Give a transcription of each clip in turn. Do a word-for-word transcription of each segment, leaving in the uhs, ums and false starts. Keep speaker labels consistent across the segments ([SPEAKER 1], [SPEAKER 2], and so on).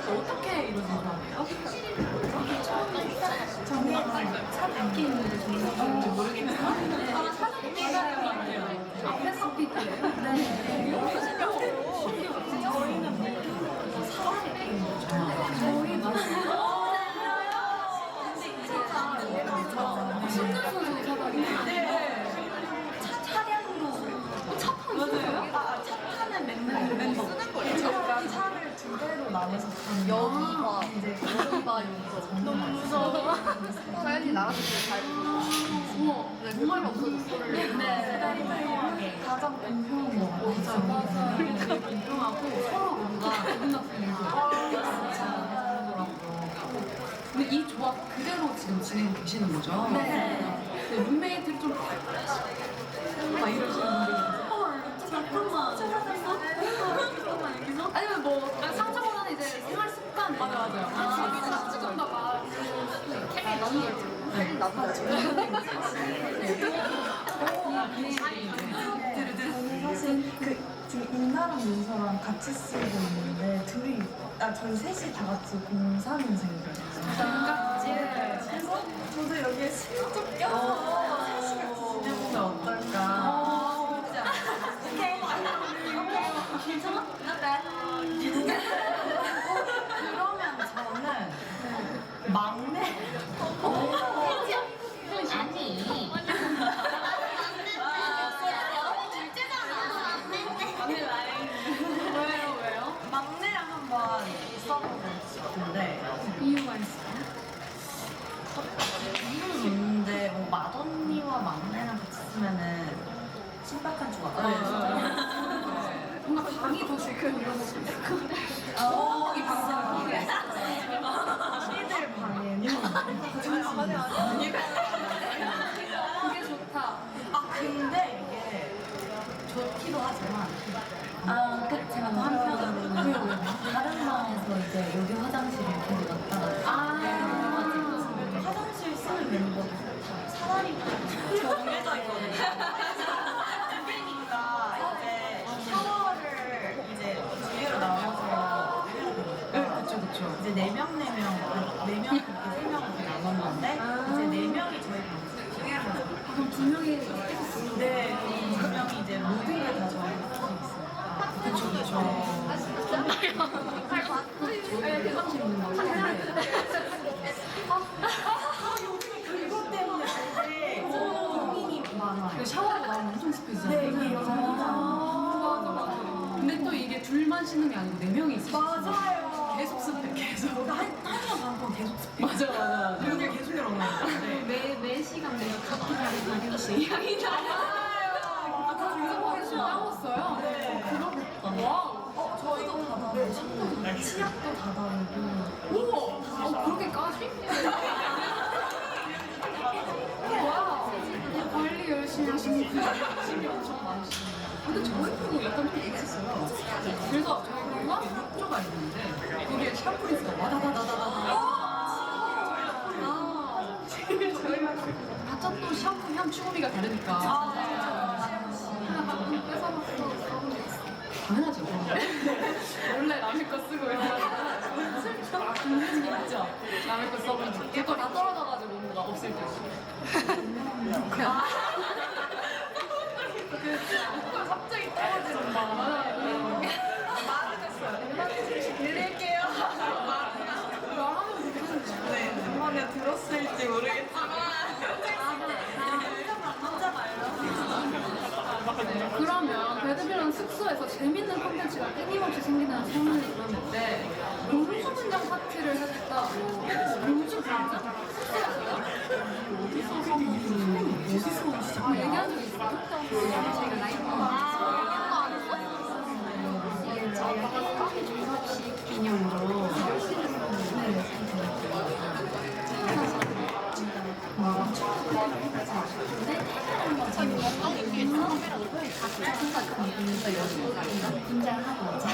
[SPEAKER 1] 어떻게 이루어진 거예요?
[SPEAKER 2] 저는 사듣기 있는데 정말 모르겠지만
[SPEAKER 1] 아, 사진 기다리는 거 아니에요? 앞에 삽입이에요?
[SPEAKER 2] 네. 저희는 뭐 사랑이 저희도
[SPEAKER 1] 신분소속 사다리예요?
[SPEAKER 2] 네. 차량으로
[SPEAKER 1] 차 타는 거예요?
[SPEAKER 2] 아, 차 타는 멤버 쓰는 거예요? 저희가 차를 두 대로 나눠서 타는
[SPEAKER 3] 여기가
[SPEAKER 2] 이제
[SPEAKER 3] 여기가 여기가 너무 무서워. 사연이 나갔을 때잘
[SPEAKER 1] 어머,
[SPEAKER 3] 네, 정말 없어졌어.
[SPEAKER 2] 네. 가장 공평한 거 같아요.
[SPEAKER 1] 맞아. 되게 공평하고 서로 뭔가 기분 나쁜 일도 하더라고요. 근데 이 조합 그대로 지금 진행 되시는 거죠?
[SPEAKER 2] 네.
[SPEAKER 1] 근데 룸메이트들이 좀 막 이러시는 분들이 있어요. 잠깐만. 잠깐만 여기서? 아니면 뭐 상처보다는 이제 생활 습관. 맞아 맞아요. 아, 조금 더 막. 캠이 너무 걸죠.
[SPEAKER 3] 네. 나도
[SPEAKER 2] 저는 사실 그 지금 인나랑 민서랑 같이 쓰고 있는데 둘이 아 저희 셋이 다 같이 공삼 년생이거든요.
[SPEAKER 1] 반갑지?
[SPEAKER 2] 그래서 저도 여기에 슬쩍 껴서 셋이 같이 지내보면 어떨까?
[SPEAKER 1] 괜찮아?
[SPEAKER 2] 그러면 저는 막내
[SPEAKER 3] 아니.
[SPEAKER 1] 언니 라인. 왜요 왜요?
[SPEAKER 2] 막내랑 한번 써보고 싶은데
[SPEAKER 1] 이유가 있어요?
[SPEAKER 2] 이유는 있는데 뭐 맏언니와 막내랑 같이 쓰면은 신박한 조합.
[SPEAKER 1] 뭔가 방이 더 지금 이러고 싶고.
[SPEAKER 2] 어,
[SPEAKER 1] 이 방송
[SPEAKER 2] 언니들 방에는
[SPEAKER 1] 그게 좋다.
[SPEAKER 2] 아 근데 이게 좋기도 하지만 아, 그 제가 또 한편으로는 다른 방에서 이제 여기 화장실을 계속 왔다 갔다
[SPEAKER 1] 아.
[SPEAKER 2] 해가지고 화장실 쓰는 멤버도 사다리 정해져 있거든요. 그러니까 이제 샤워를 이제 두 개로 나눠서 해야 되니까
[SPEAKER 1] 그쵸 그쵸.
[SPEAKER 2] 이제 네 명 네 명 네 명 이렇게 세 명으로 나눴는데 이제 네 명이 저희 방에서
[SPEAKER 1] 그럼 두 명이 계속
[SPEAKER 2] 네, 두 명이 이제 모든 게 다 저희 방에 있으니까
[SPEAKER 1] 그쵸 그쵸. 저희 대방실 있는 거
[SPEAKER 2] 그것 때문에 되게 고민이 많아요.
[SPEAKER 1] 그 샤워하고 나오면 엄청 습해지잖아요.
[SPEAKER 2] 네, 이게
[SPEAKER 1] 아, 맞아 맞아. 근데 또 이게 둘만 씻는 게 아니고 네 명이 있어요.
[SPEAKER 2] 맞아요.
[SPEAKER 1] 계속 습해 계속.
[SPEAKER 2] 한, 한 시간 반 동안 계속 습해.
[SPEAKER 1] 맞아 맞아 맞아.
[SPEAKER 2] 여기 계속 일어나는데.
[SPEAKER 1] 매, 매 시간 내가 각기 다른 가격씩 향이 나요. 아, 다 중성화해서 따왔어요?
[SPEAKER 2] 네.
[SPEAKER 1] 그러겠다. 와우.
[SPEAKER 2] 어, 저희도 다 다르고, 치약도 다 다르고.
[SPEAKER 1] 우와! 어, 그렇게까지? 와우. 관리 열심히 하시는 분이 욕심이 엄청 많으시네요. 근데 저희 분은 약간 좀 있었어요. 그래서 저희가 욕조가 있는데 거기에 샴푸리스가 와다다다다다다. 아, 저희가 각자 또 샴푸 향 추구미가 다르니까. 하나 가끔 뺏어먹고 써본 적 있어. 당연하죠. 원래 남의 거 쓰고 이러면 아, 궁금해지긴 했죠. 남의 거 써본 적. 제거 다 떨어져가지고 뭔가 없을 때. 아. 그, 그걸 갑자기 떨어지는 거. 맞아요.
[SPEAKER 2] 말을 했어요. 드릴게요.
[SPEAKER 1] 말하면 되겠는데.
[SPEAKER 2] 네, 음악에 들었을지 모르겠지만. 혼자 말로.
[SPEAKER 1] 네, 그러면 배드빌런 숙소에서 재밌는 콘텐츠가 끊임없이 생기는 소문이 들었는데 공주 분장 파티를 하겠다고. 공주 분장? 숙소에서요? 어디서 어디서 오시죠? 아, 얘기한 적 있어요? 저희가 라이브 아, 이게 저희가 커피 졸업식 기념으로 네.
[SPEAKER 2] 긴장하고 오자.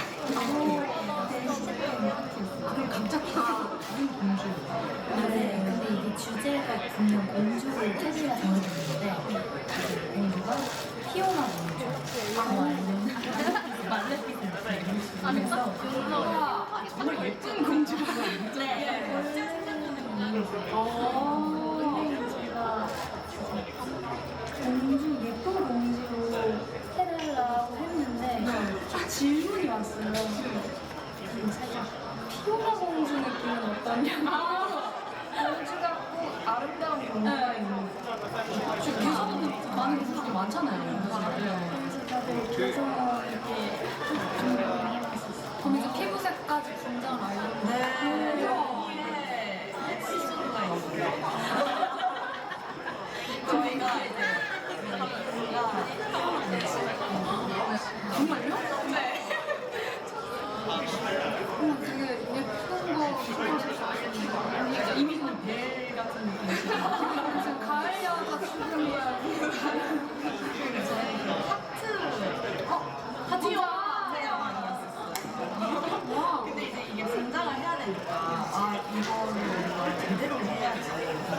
[SPEAKER 1] 그럼 갑자기 공주.
[SPEAKER 2] 네, 근데 이게 주제가 분명 공주를 테디가 정해졌는데 공주가 피오나 공주. 아니면 말레피센트.
[SPEAKER 1] 아니, 딱 그거가 정말 예쁜 공주. 아니야. 공주 같고 아름다운 공주가 있는. 지금 계속 많은 분들이 많잖아요. 네.
[SPEAKER 2] 다들 계속 이렇게
[SPEAKER 1] 그럼 이제 피부색까지 분장 아이돌.
[SPEAKER 2] 네. 여기에 시즌가 있어요. 저희가 이제
[SPEAKER 1] 정말요?
[SPEAKER 2] 네.
[SPEAKER 1] 어, 되게 예쁜 거 입으실 줄 알았는데 이미 좀 벨 같은 느낌이시죠? 무슨 가을 여자 출근 거야.
[SPEAKER 2] 하트.
[SPEAKER 1] 어? 하트요? 와.
[SPEAKER 2] 근데 이제 이게 분장을 해야 되니까 아 이거를 뭔가 제대로 해야지.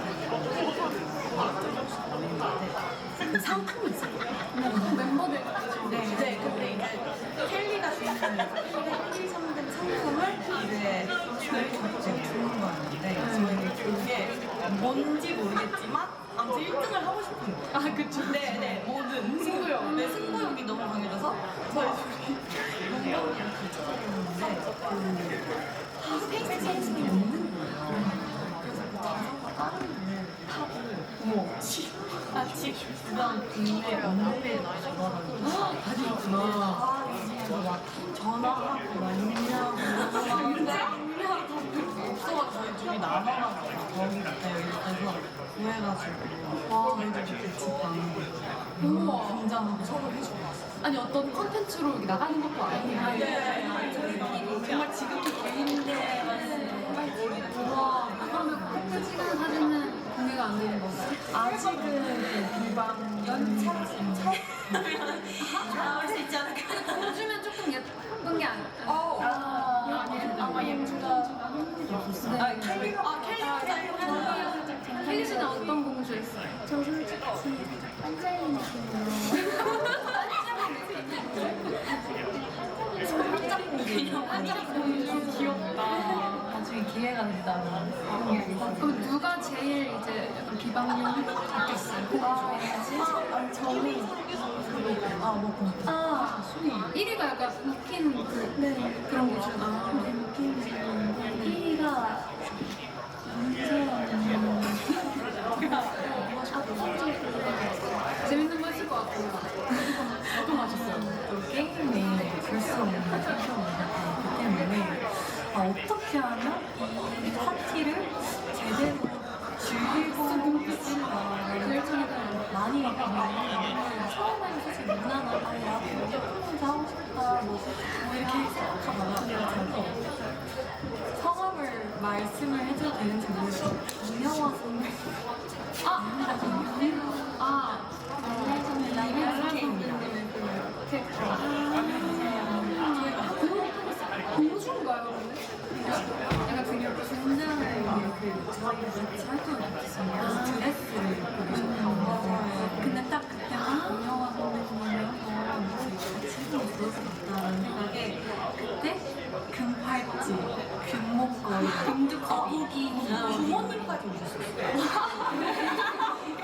[SPEAKER 2] 그 상품이 있어요.
[SPEAKER 1] 멤버들
[SPEAKER 2] 네, 네. 근데 이제 켈리가 주인공이어서 켈리 상품 상품을 이제 저희 주는 거였는데 저희는 그게 뭔지 모르겠지만 아무튼 일 등을 하고 싶은 거예요.
[SPEAKER 1] 아 그쵸.
[SPEAKER 2] 네, 네, 뭐든 승부욕. 네, 승부욕이 너무 강해져서 저희 둘이 영광이랑 같이 다녔는데 그 페이스가 없는 거예요. 그래서 그 자전거 다른 분 타고 어머 아, 집 주변 국내 언니들 돌아다니고 다니구나. 아, 그래서 막 전화하고 막 있냐고 있냐고 없어가지고 저희 둘이 남아가지고 거기 그때 그래서 구해가지고 와 저희들 그때 집 방에
[SPEAKER 1] 우와.
[SPEAKER 2] 분장하고 서로 해주고 왔어요.
[SPEAKER 1] 아니 어떤 콘텐츠로 이렇게 나가는 것도 아니에요.
[SPEAKER 2] 네.
[SPEAKER 1] 정말 지극히 개인인데. 와. 그러면 그때 찍은 사진은 공개가 안 되는 건가요?
[SPEAKER 2] 아직은 그 비방 연차 차 나올 수 있지 않을까?
[SPEAKER 1] 공주면 조금 예쁜 게 아니야.
[SPEAKER 2] 어.
[SPEAKER 1] 아,
[SPEAKER 2] 아마 예쁘다. 아, 켈리. 아, 켈리.
[SPEAKER 1] 혜리 씨는 어떤 공주 했어요?
[SPEAKER 3] 저 솔직히 반짝이 느낌으로
[SPEAKER 1] 한짝 공주 귀엽다.
[SPEAKER 2] 나중에 기회가 된다면.
[SPEAKER 1] 그럼 누가 제일 이제 약간 비방용 바뀌었어요? 공주.
[SPEAKER 2] 아, 저는 아, 뭐
[SPEAKER 1] 아, 순위. 일 위가 약간 웃긴 그,
[SPEAKER 3] 네.
[SPEAKER 1] 그런 공주. 아,
[SPEAKER 3] 느낌이 있는데 일 위가
[SPEAKER 1] 재밌는 거 했을 것 같아요. 어떤 거 하셨어요?
[SPEAKER 2] 또 게임에 볼수 없는 상처가 있기 때문에 아, 어떻게 하면 이 파티를 제대로 즐기고 있을까 많이 고민을 처음에는 사실 무난하고 아, 이렇게 프로그램 하고 싶다 뭐, 뭐 이렇게 생각하다가 저도 성함을 말씀을 해줘도 되는지 모르겠어요. 김영화 선배
[SPEAKER 1] 아, 아,
[SPEAKER 2] 라이브스케입니다.
[SPEAKER 1] 공주인가요, 근데? 약간 되게
[SPEAKER 2] 분장을 그 저희가 같이 활동을 못했어요. 드레스를 입고 계셨다고. 근데 딱 그때 김영화 선배님이랑 같이 활동을 들었었다는 생각에 그때 금팔찌, 금목걸이, 금주 거북이, 부모님까지 오셨어요.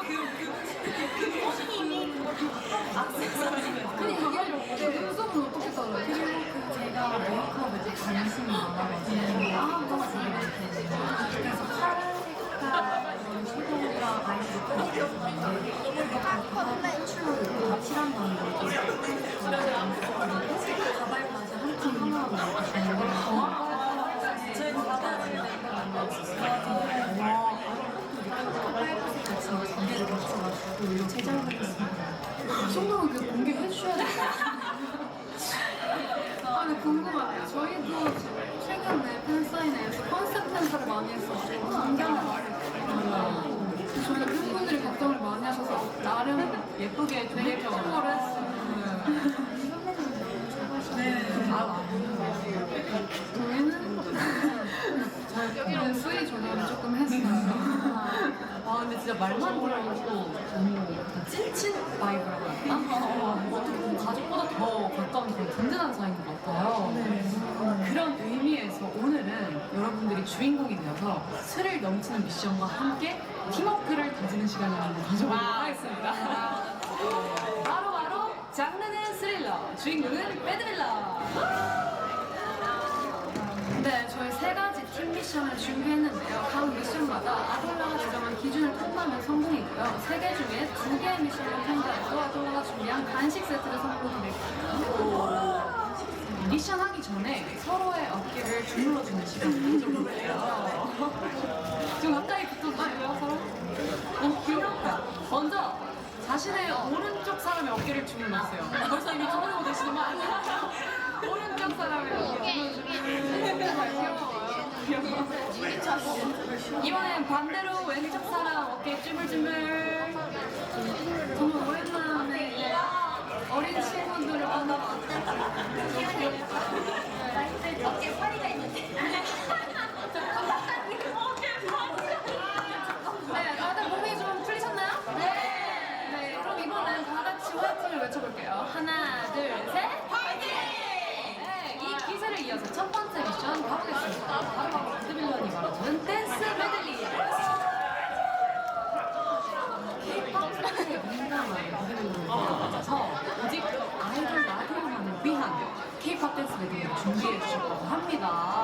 [SPEAKER 1] 근데 이게 눈썹은 어떻게 써요?
[SPEAKER 2] 그리고 그 제가 메이크업에 관심이 많아가지고 아, 너무 재밌는데 그래서 파란 색깔 이런 섀도우랑 아이섀도우 이렇게 가발 추로 다 칠한다는 거죠. 가발까지 한팀 하나로 이렇게 주는 거예요. 저희 가발을 만났어요. 와, 빨간색 같이 두 개를 같이 제작을 했습니다.
[SPEAKER 1] 이 정도면 그 공개해 주셔야 돼요. 아, 근데 궁금하네요. 저희도 최근에 팬사인회에서 컨셉 팬사를 많이 했었고, 안경을 많이 했고, 그래서 저희가 팬분들이 걱정을 많이 하셔서 나름 예쁘게 좀 예쁜 걸 했어요.
[SPEAKER 2] 네. 아,
[SPEAKER 1] 저희는 여기는 수위 조절을 조금 했어요.
[SPEAKER 2] 아 근데 진짜 말만 들어도 너무 찐친 바이브라고 할까? 어, 어떻게 보면 가족보다 더 가까운 그런 든든한 사이인 것 같아요. 네. 그런 의미에서 오늘은 여러분들이 주인공이 되어서 스릴 넘치는 미션과 함께 팀워크를 다지는 시간을 한번 가져보도록 하겠습니다. 바로 바로 장르는 스릴러, 주인공은 배드빌러.
[SPEAKER 1] 네, 저희 세 가지 팀 미션을 준비했는데요. 각 미션마다 아돌라가 지정한 기준을 통과하면 성공이고요. 세 개 중에 두 개의 미션을 통과해도 아돌라가 준비한 간식 세트를 선물드릴게요. 미션 하기 전에 서로의 어깨를 주물러주는 시간을 가져볼게요. 좀 가까이 붙어주시고요, 서로. 어, 귀엽다. 먼저 자신의 오른쪽 사람의 어깨를 주물러주세요. 벌써 이미 주물르고 계시는 거 아니에요? 오른쪽 사람의 어깨를 주물러주세요. 귀여워요. 이번엔 반대로 왼쪽 사람 어깨 쭈물쭈물. 정말 오랜만에 어린 친구들을 만나봤어요.
[SPEAKER 2] 어깨 파리가 있는데.
[SPEAKER 1] 네, 다들 몸이 좀 풀리셨나요? 네. 네, 그럼 이번엔 다 같이 화이팅을 외쳐볼게요. 하나, 둘, 셋. 화이팅! 네, 이 기세를 이어서 첫 번째 미션 가보겠습니다. 바로바로 바드빌런이 말해주는 댄스 메들리. K-팝 댄스에 민감한 바드빌런을 맞아서 오직 아이돌 라디오만을 위한 K-팝 댄스 메들리를 준비해 주셨다고 합니다.